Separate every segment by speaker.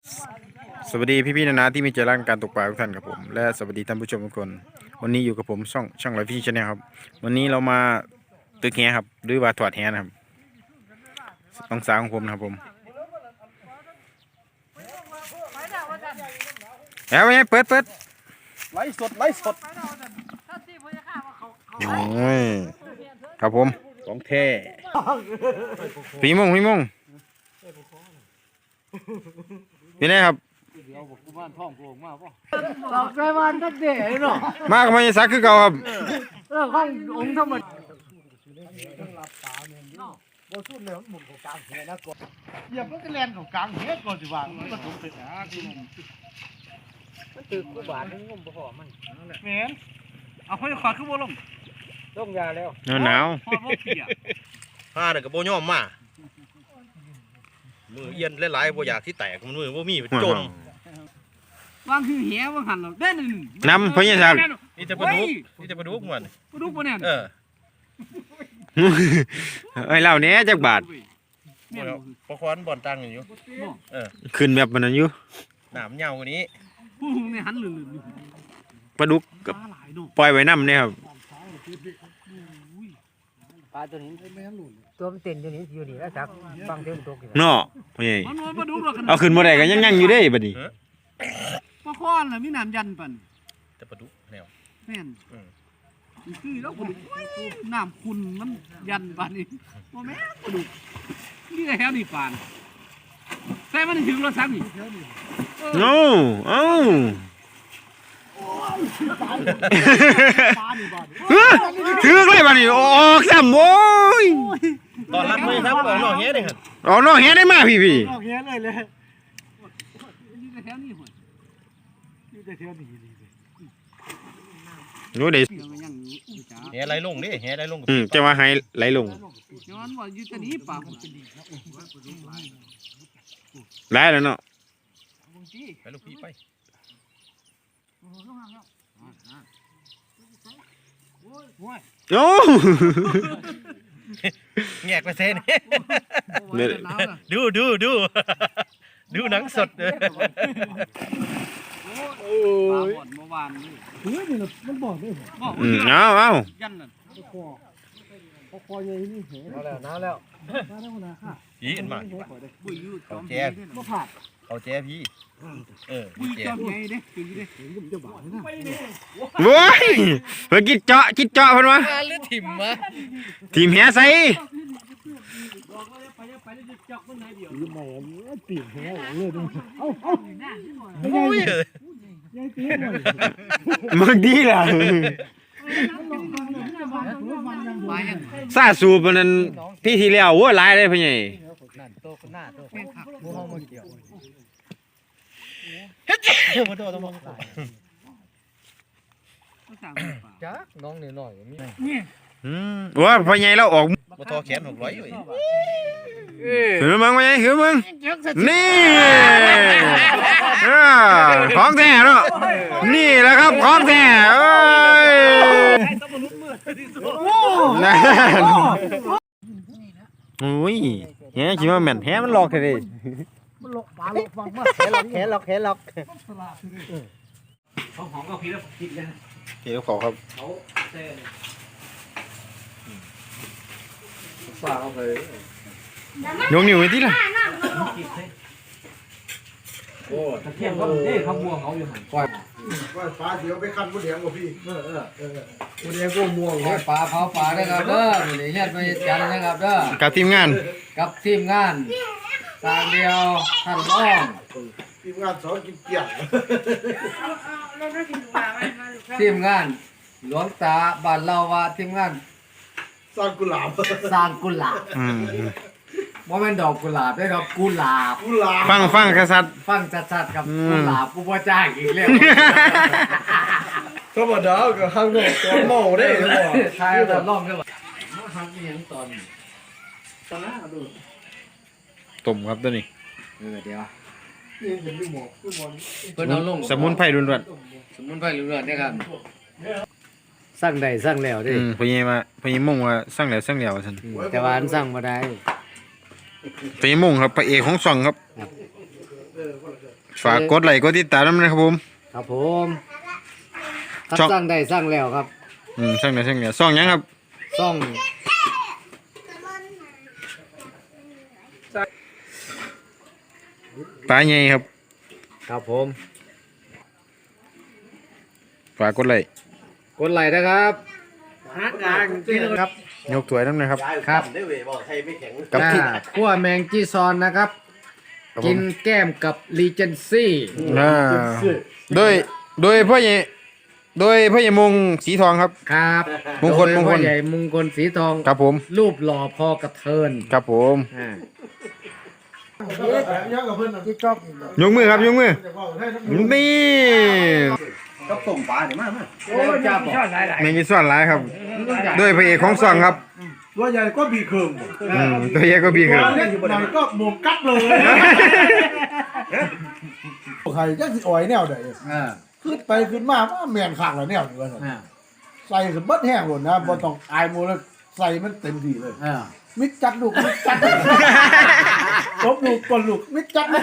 Speaker 1: สวัสดีพี่ๆนะที่มีใจรักการตกปลาทุกท่านครับผมและสวัสดีท่านผู้ชมทุกคนวันนี้อยู่กับผมช่องไลฟ์พี่ชาแนลครับวันนี้เรามาตึกแหครับหรือว่าถอดแหนะครับต้องสาวของผมนะครับผมแล้วไงเปิด
Speaker 2: ไลฟ์สด
Speaker 1: โอ้ยครับผม
Speaker 2: ของแท้
Speaker 1: พี่มงพี่ไหนครับ
Speaker 3: หลอกใจวันทักเด๋เนาะ
Speaker 1: มากับมันซักคือเก่าครับ
Speaker 3: ข้ององค์ธรรมดาเหยียบแล้วก็แลนของกลางเฮ็ดก่อนสิว่ามันก็ถูกติดนะพี่น้องมันตึกกูบาดนึงงมบ่พอมันแม่นเอาให้ขวาขึ้นบ่ลงลงยาแล้ว
Speaker 1: หนาว
Speaker 3: พอบ่เปียก
Speaker 2: ผ้าเนี่ยก็บ่ยอมมามือเอียนหลายๆบ่อยากที่แตกมันมือบ่มีจม
Speaker 3: วางคือแหวางหันเราเด้น
Speaker 1: น้ำพญาสัก
Speaker 2: นี่จะปลาดุกมัน
Speaker 3: ปลาดุกปะเนี่ย
Speaker 1: ไอ้เหล่านี้จักบาท
Speaker 2: พอควันบ่อนตังอยู่
Speaker 1: ขึ้นแบบมันอยู่
Speaker 2: หนามเหยาวกว่านี้
Speaker 3: ผู้หุงเนี่ยหันลื่น
Speaker 1: ปลาดุกกับ
Speaker 3: ปลาหลายเนาะ
Speaker 1: ปล่อยไว้น้ำเนี่ยครับ
Speaker 4: ปลาตัวนี้ตัวมันเต้นตัวนี้อยู่นี่แล้วสักฟังเสียงตกอยู่
Speaker 1: เนาะพ่อใหญ่
Speaker 3: มันปลาดุกเรา
Speaker 1: เอาขึ้นบ่ได้ก็ยังอยู่เด้บัดนี้
Speaker 3: ปลาค้อนน่ะมีน้ำยันปั่น
Speaker 2: แต่ปลาดุกแนว
Speaker 3: แม่นคือแล้วปลาดุกน้ำคุณมันยันปั่นนี่บ่แม่นปลาดุกนี่แถวนี่ปานแต่มันถึงรถซ้ำนี่
Speaker 1: เอ้าถือเลยบัดนี้ออกซ้ำโอ้ย
Speaker 2: ตอนรับมือครับออกนอกเฮ็ดเลยครับ
Speaker 1: ออกนอกแหได้มาพี่
Speaker 3: ออกแฮเลยเลยนี่แถวนี่ห่วยนี่แถวนี่เลย
Speaker 1: รู้เด้
Speaker 3: ยังจ้า
Speaker 2: แหไหลลงดิแหไหลลง
Speaker 1: จะว่าให้ไหลลง
Speaker 3: ย้อนว่าอยู่ตะนี้ป่า
Speaker 1: ไหลแล้วเนาะ
Speaker 2: ไปลูกพี่ไป
Speaker 1: โอ้
Speaker 2: แงกไปเซนดูดูหนังสดเลย
Speaker 3: โอ้ยเมื่อวานนี่เฮ้ยมันบอกด้วยบอก
Speaker 1: เอา
Speaker 3: ยันน่ะ
Speaker 4: น้ำแล้ว
Speaker 2: พี่อันมา
Speaker 3: บุยอยู่จอม
Speaker 2: แจ๊เขาแจ๊พี่
Speaker 3: บุย
Speaker 2: แจ๊
Speaker 3: จอมใหญ่เด้คือเด้
Speaker 1: โว้ยเพิ่นกินเจาะเพิ่นวะ
Speaker 2: หรือถิ่มวะ
Speaker 1: ทีมแหใส่
Speaker 2: โอ้ย
Speaker 1: มึงดีล่ะ
Speaker 3: มายัง
Speaker 1: ซาสูบนั้นพี่ที่แล้วโว้ยหลายเลยพ่อใหญ่
Speaker 4: นั่นโตคนหน้าโต
Speaker 3: แม่ขับ
Speaker 4: มูห้องมันเกี่ยว
Speaker 2: มาโดนต้องมอง
Speaker 3: ก็สั่งป่า
Speaker 4: จ้าน้องหน่อยมี
Speaker 1: ว่าพ่อใหญ่เราออก
Speaker 2: มาทอแขน600อยู่
Speaker 1: หือมึงพ่อใหญ่หือมึงนี่ของแท้เนาะนี่แหละครับของแท้เอ้ยนั่นโอ้ยแหคิดว่าแม่นแหมันหลอกแท้
Speaker 3: มันหลอกปลาหลอกฟังมา
Speaker 4: แขนล็อก
Speaker 3: เขาหอมกับพี่แล้วกินกัน
Speaker 1: เดี๋ยวขอครับ
Speaker 4: ฝากเอาไป
Speaker 1: ยกนิ้วไว้ที่ล่ะ
Speaker 4: เที่ยงเขาเด้เขาบวงเขาอยู่หันปล่อย
Speaker 5: ปลาเดี๋ยวไปคันผู้เดียวกับพี่
Speaker 4: กูเดียวกูม่วงเลยปลาเผาปลาได้ครับเด้อนี่เฮ็ดไปจันนะครับเด้อ
Speaker 1: กับทีมงาน
Speaker 4: กับทีมงานทางเดียวท่านอ้อม
Speaker 5: ทีมงานสอนกินเกี่ยง
Speaker 4: ทีมงานหลวงตาบ้านเราว่าทีมงาน
Speaker 5: สร้างกุหลาบ
Speaker 4: สร้างกุหลาบ
Speaker 1: อืม
Speaker 4: บ่แม่นดอกกุหลาบได้ครับกุหลาบ
Speaker 5: กุหลาบ
Speaker 1: ฟังกษัตริย์
Speaker 4: ฟังชัดๆครับกุหลาบกูบ่จ้างอีกแล้ว
Speaker 5: ธรรมดาก็ข้างนอกตัวเมาได้หรือเปล่า
Speaker 4: ทายตอนร้องได้บ่มาทำอีหยังตอน
Speaker 1: ต้มครับตัวนี้
Speaker 4: เดี๋ยว
Speaker 5: นี่เห็นดูหมอกดูหมอก
Speaker 4: เพิ่นเอาลง
Speaker 1: สมุนไพรล้วน
Speaker 4: สมุนไพรเรื่อยๆเด้ครับสร้างได้สร้างแล้ว
Speaker 1: ๆ
Speaker 4: เด้
Speaker 1: พญมงว่าสั่งแล้วสั่งแล้วซั่น
Speaker 4: แต่ว่าอันสร้างบ่ได้
Speaker 1: พญมงครับพระเอกของช่องครับ
Speaker 5: คนละ
Speaker 1: ฝากกดไลค์กดติดตามด้วยนะครับผม
Speaker 4: ครับผมถ้า
Speaker 1: ช่อง
Speaker 4: สร้างได้สร้างแล้วครับ
Speaker 1: ช่างเนี่ยซ่องหยังครับ
Speaker 4: ซ่อง
Speaker 1: ปลาใหญ่ครับ
Speaker 4: ครับผม
Speaker 1: ฝากกดไลค์
Speaker 4: กดไลค์นะครับ
Speaker 3: ครับ
Speaker 1: ยกถ้วยน้ำหนะครับ
Speaker 4: ครับ
Speaker 2: ได้เว้ยบอกไทยไม่แข็ง
Speaker 1: กับที่
Speaker 4: คั่วแมงจีซอนนะครับ
Speaker 1: ครับผม
Speaker 4: กินแก้มกับรีเจนซี่
Speaker 1: โดยพ่อใหญ่มงสีทองครับ
Speaker 4: ครับ
Speaker 1: มงคล
Speaker 4: โดย
Speaker 1: มงคล
Speaker 4: พ่อใหญ่มงคลสีทอง
Speaker 1: ครับผม
Speaker 4: รูปหล่อพอกระเทิน
Speaker 1: ครับผม
Speaker 4: อ่า
Speaker 3: ยังกับเพื่อนที่ชอบ
Speaker 1: ยกมือครับยกมือนี่
Speaker 2: ก็ส่งปลาเนี่ยมาก
Speaker 3: โอ้ยจะบอก
Speaker 1: แมงกีซ่อนหลายครับโดยพระเอกของซ่องครับ
Speaker 3: ตัวใหญ่ก็บีเคิม
Speaker 1: ตัวใหญ่ก็บีครับ
Speaker 3: เล็กหน่อยก็หมุมกัดเลยใครจะสิอ่อยแนวใด
Speaker 4: อ่า
Speaker 3: ขึ้นไปขึ้นมาว่าแมนข้างละแนวอยู่ว่าซั่น
Speaker 4: อ่า
Speaker 3: ใส่ขึ้นเบัดแห้งหมดนะบ่ต้องอายหมูแล้วใส่มันเต็มที่เลย
Speaker 4: อ่า
Speaker 3: มิดจัดลูกมิดจัดลบลูกกดลูกมิดจัดลูก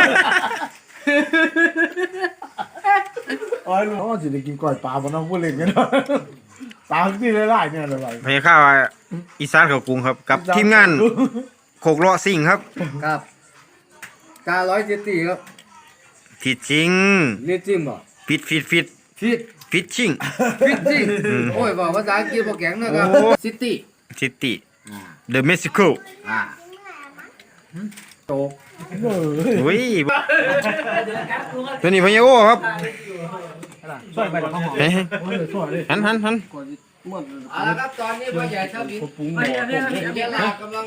Speaker 3: โอ้ยลูกสิได้กินก้อยปลาบ่น้องผู้เล่นกันเนาะปลาที่หลายๆเนี่ยอะไร
Speaker 1: พยาข้าวอีสานเขากรุงครับกับทีมงานโคกเลาะซิ่งครับ
Speaker 4: ครับกา170ครับ
Speaker 1: ผิดจริง
Speaker 4: เรียกจิ้มบ่
Speaker 1: ฟิต
Speaker 4: ฟิต
Speaker 1: ฟิตชิ่ง
Speaker 4: ฟิตจริงโอ้ยบอกภาษาอังกฤษบ่แข็งนะครับ
Speaker 1: โอ้
Speaker 4: ซิตี้
Speaker 1: ซิตี้เดอะเม็กซิโก
Speaker 4: อ่าโตก
Speaker 1: อุ้ยตัวนี้พญาโอครับ
Speaker 3: ช่วยไปแล้วก็หอม
Speaker 1: เฮ้ย
Speaker 3: ช่วยเลย
Speaker 1: หัน
Speaker 4: เอาละครับตอนนี้พ่อใหญ่ชอบอีกเวลากำลัง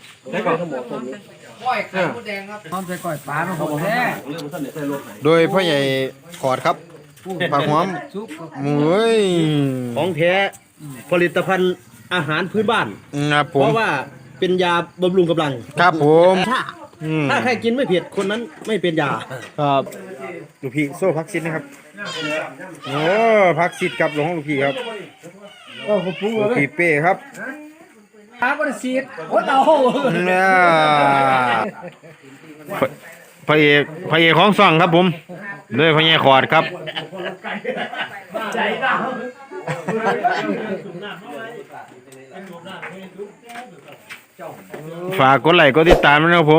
Speaker 4: ก้อยไข่มดแดงครับพร้อมใส่ก้อยปลาเนาะผมแท้
Speaker 1: โดยพ่อใหญ่ขอดครับผักหอม
Speaker 4: ซุปกับ
Speaker 1: โอ้ย
Speaker 5: ของแท้ผลิตภัณฑ์อาหารพื้นบ้าน
Speaker 1: ครับผ
Speaker 5: เพ
Speaker 1: ม
Speaker 5: ราะว่าเป็นยาบำรุงกำลัง
Speaker 1: ครับผมอืม
Speaker 5: ถ้าใครกินไม่เผ็ดคนนั้นไม่เป็นยา
Speaker 1: ครับลูกพี่โซ่พักซิดนะครับโอ้พักซิดกับหลวงลูกพี่ครับ
Speaker 3: ก็ขอบคุณ
Speaker 1: ลูก
Speaker 3: เลย
Speaker 1: พี่เป้ครับ
Speaker 4: ปลาบริสีโอ้เต่า
Speaker 1: เนี่ยพระเอกของซ่องครับผมโดยพ่อใหญ่ขอดครับ ฝากกดไลค์กดติดตามด้วยนะครับผม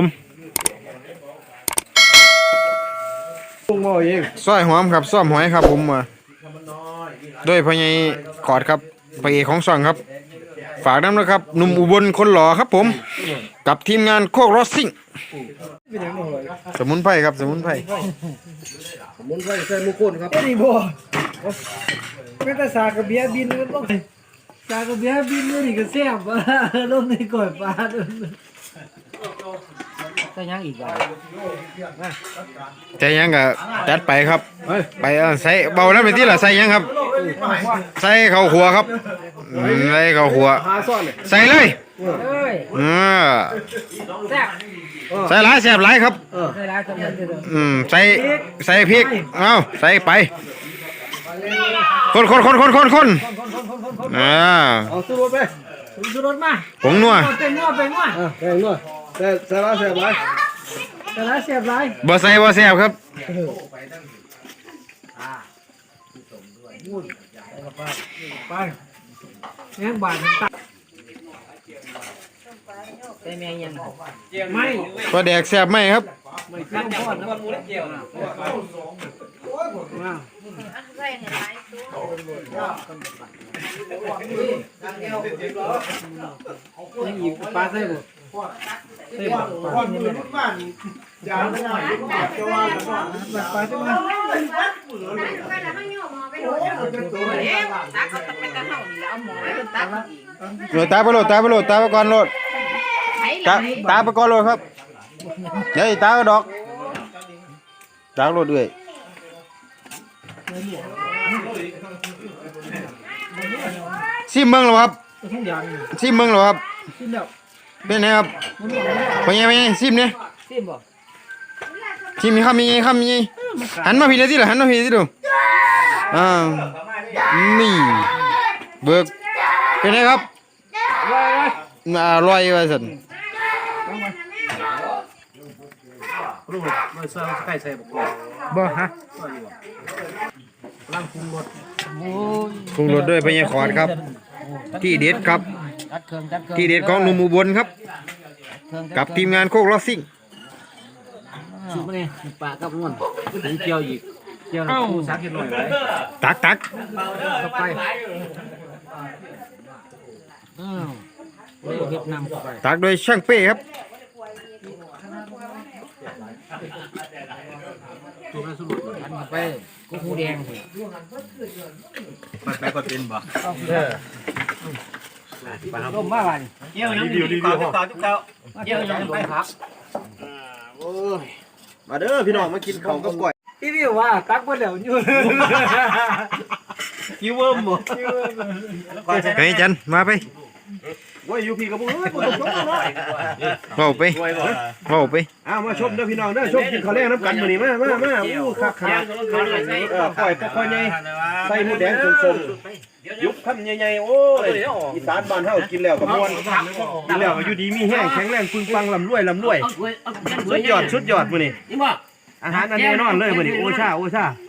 Speaker 1: ซอยหอมครับซ่อมหอยครับผมมาด้วยพ่อใหญ่ขอดครับพระเอกของซ่องครับ ฝากน้ำนะครับหนุ่มอุบลคนหล่อครับผม กับทีมงานโคกรถซิ่งสมุนไพรครับสมุนไพร
Speaker 4: มุนไฟใส่มุกคนครับ
Speaker 3: นี่บ่ไม่แต่สากระเบียบินก็ต้องสากระเบียบินนี่ก็แซ่บลงในก้อยปลาด้วย
Speaker 4: ใส่ยังอีกบ่
Speaker 1: ใจยังก็จัดไปครับไปใส่เบาแล้วไปที่ละใส่ยังครับ ใส่ข้าวขัวครับใส่ข้าวขัวใส่เลยใส่หลายแซ่บหลายครับใส่พริกเอาใส่ไปคน
Speaker 3: เอาสู้รถไปสู้รถมา
Speaker 1: ผงนัว
Speaker 3: เป็นนัวเป็นนัว
Speaker 5: แพงด้วยแต่สาระแสบไร
Speaker 3: แต่ละเสียบไร
Speaker 1: บ่ใส่บ่แซ่บครับ
Speaker 3: ไปแง่งบาดมันตัด
Speaker 4: ใส่แมงยัง
Speaker 3: ไม่
Speaker 1: ปลาแดกแซ่บไหมครับ
Speaker 3: ไม่ข้าวทอดนะมูเล็กเกี่ยวนะอีกปลาใส่บุใส่บุปลาใส่บุปลาใช่ไหม
Speaker 1: โหลดตาไปโหลดตาไปก่อนโหลดตาไปก่อนโหลดครับเดี๋ยวตาก็ดอกตาโหลดด้วยซิมเมืองเหรอครับซิมเมืองเหรอครับเป็นไงครับเป็นไงซิมเนี่ยซิมมีคำมีคำมีหันมาพี่เลยที่เหรอหันมาพี่ที่ดูนี่เบิกเป็นไงครับอร่อยว่าสัน
Speaker 2: ลูกมาใส่ไข่ใส่บุกกอก
Speaker 1: บ่ฮะ
Speaker 2: ร่างปรุงรส
Speaker 3: โอ้ย
Speaker 1: ปรุงรสด้วยพญาขอดครับ ที่เด็ดครับ
Speaker 3: จัดเครื่องจัดเครื่อง
Speaker 1: ที่เด็ดของหนุ่มอุบลครับ
Speaker 3: เครื่อง
Speaker 1: กับทีมงานโคกลอสซิ่ง
Speaker 2: สุดมาเนี่ยปลากับนวลถึงเกี่ยวอีกเกี่ยวน้ำปูซักกินหน่อยไว้
Speaker 1: ตัก
Speaker 2: เข้าไป
Speaker 3: อ้าวเล่เฮ็ดนำเข้าไป
Speaker 1: ตักโดยช่างเป้ครับ
Speaker 2: ตัวนั้นสุด
Speaker 3: อันเข้าไปกุ้งหูแดงสิ
Speaker 2: ไปก็เป็นบ่
Speaker 3: ต้มมาบ้าน
Speaker 2: เกี่ยวยังดีๆต่อทุกเจ้าเกี่ยวยังไปครับมาเด้อพี่น้องมากินของกับก๋วย
Speaker 3: พี่วิวว่าตักเบิดแล้วอยู่
Speaker 2: กิ้วเวิร์มบ่
Speaker 1: ไปจันมาไป
Speaker 2: ว่าอยู่พี่กับมึงเอ้ยบ่ต้องชมเนาะ
Speaker 1: เว้าไปเว้าไป
Speaker 2: อ้าวมาชมเด้อพี่น้องเด้อชมกินข้าวแลงน้ำกันมื้อนี้มาอู้คักก่อยค่อยๆใหญ่ใส่หมูแดงสมๆยุบคำใหญ่ๆโอ้ยอีสานบ้านเฮากินแล้วก็ม่วนกินแล้วก็อยู่ดีมีแห้งแข็งแรงปึงปังลำรวยสุดยอดมื้อนี้อาหารอันแน่นอนเลยมื้อนี้โอชา